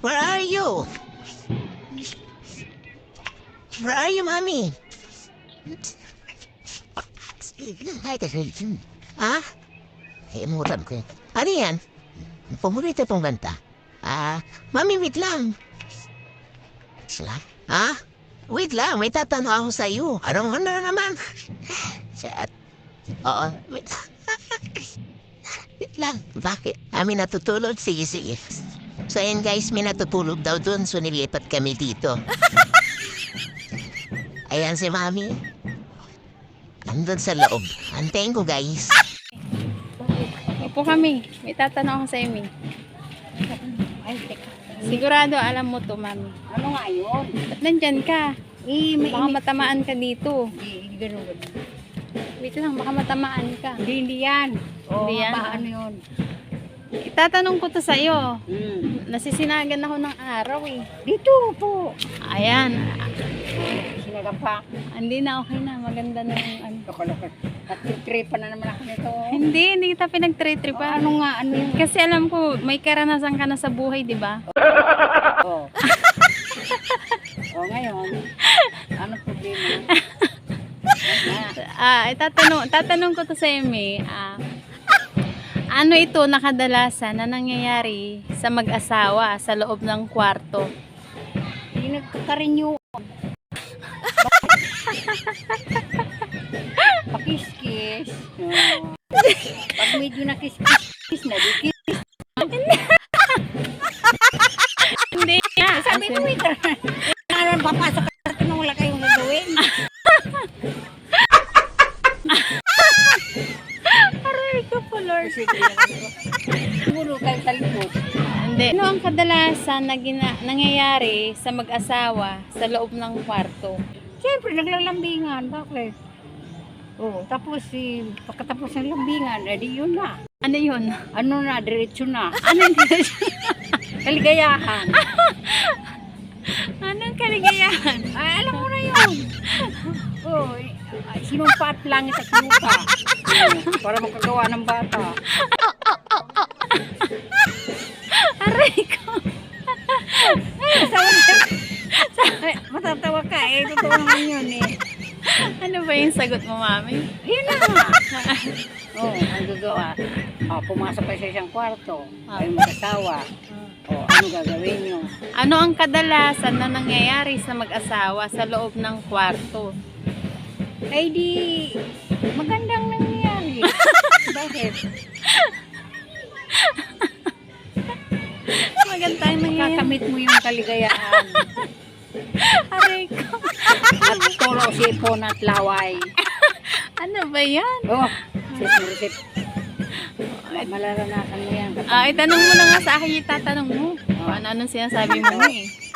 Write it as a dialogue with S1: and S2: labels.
S1: Where are you? Where are you, mommy? Ha? Imutan ko. Ano yan? Pumulita pong ganta. Mami, wait lang. Sila? Ha? Wait lang, may tatanong ako sa iyo. Ano naman? Chat. Oo, wait. Wait lang. Bakit? Amin natutulog? Sige, sige. So, ayan guys, may natutulog daw dun. So, nilipat kami dito. Ayan si Mami. Nandun sa loob. Antayin ko, guys.
S2: Upo kami. May tatanong ako sa Amy.
S3: Ay, teka.
S2: Sigurado alam mo to, Mami.
S3: Ano nga yun?
S2: Ba't nandyan ka?
S3: May
S2: Baka matamaan ka dito.
S3: Hindi, ganun.
S2: Wait lang, baka matamaan ka.
S3: Hindi yan.
S2: Hindi yan?
S3: Ano yun?
S2: Itatanong ko to sa'yo.
S3: Hmm.
S2: Nasisinagan ako ng araw eh.
S3: Dito po.
S2: Ayan.
S3: Sinagang pa.
S2: Hindi na, okay na. Maganda na yung ano.
S3: Loko-loko. At tripan na naman ako nito.
S2: Hindi kita pinag-trip-tripan.
S3: Ano nga, ano yun?
S2: Kasi alam ko, may karanasan ka na sa buhay, di ba?
S3: Oo. Ngayon. Ano problema?
S2: Tatanong ko to sa Amy. Ano ito nakadalasan na nangyayari sa mag-asawa sa loob ng kwarto?
S3: Hindi nagkakarenew. Pakis-kis. Pag medyo nakis-kis na, di kiss.
S2: Hindi nga.
S3: Sabi mo, ito. Nalang papasok ka sa wala kayong gagawin.
S2: Aray ko po, Lord.
S3: Siguro kayo sa likod.
S2: Hindi. Ano ang kadalasan na nangyayari sa mag-asawa sa loob ng kwarto?
S3: Siyempre, naglalambingan. Bakit? Oo, tapos pagkatapos ng lambingan, edi yun na.
S2: Ano yun?
S3: Ano na, diretso na. Ano yung diretso? Kaligayahan.
S2: Anong kaligayahan?
S3: Ay, alam mo na yun. Oo, sinumpa at langit at lupa. Para makagawa ng bata.
S2: Aray ko.
S3: Matatawa ka eh. Totoo naman yun eh.
S2: Ano ba yung sagot mo, Mami?
S3: Yun na nga. Oo, ang gagawa. Pumasok kayo sa isang kwarto. Ay mag-asawa. Ano gagawin nyo?
S2: Ano ang kadalasan na nangyayari sa mag-asawa sa loob ng kwarto?
S3: Ay di, magandang nangyayari. Bakit?
S2: Magandang nangyayari.
S3: Kakamit mo yung kaligayahan.
S2: Aray ko.
S3: At tolo, sipon at laway.
S2: Ano ba yan?
S3: Sip. Malaranasan mo yan.
S2: Itanong mo na nga sa akin, itatanong mo. Ano-anong sinasabi mo eh.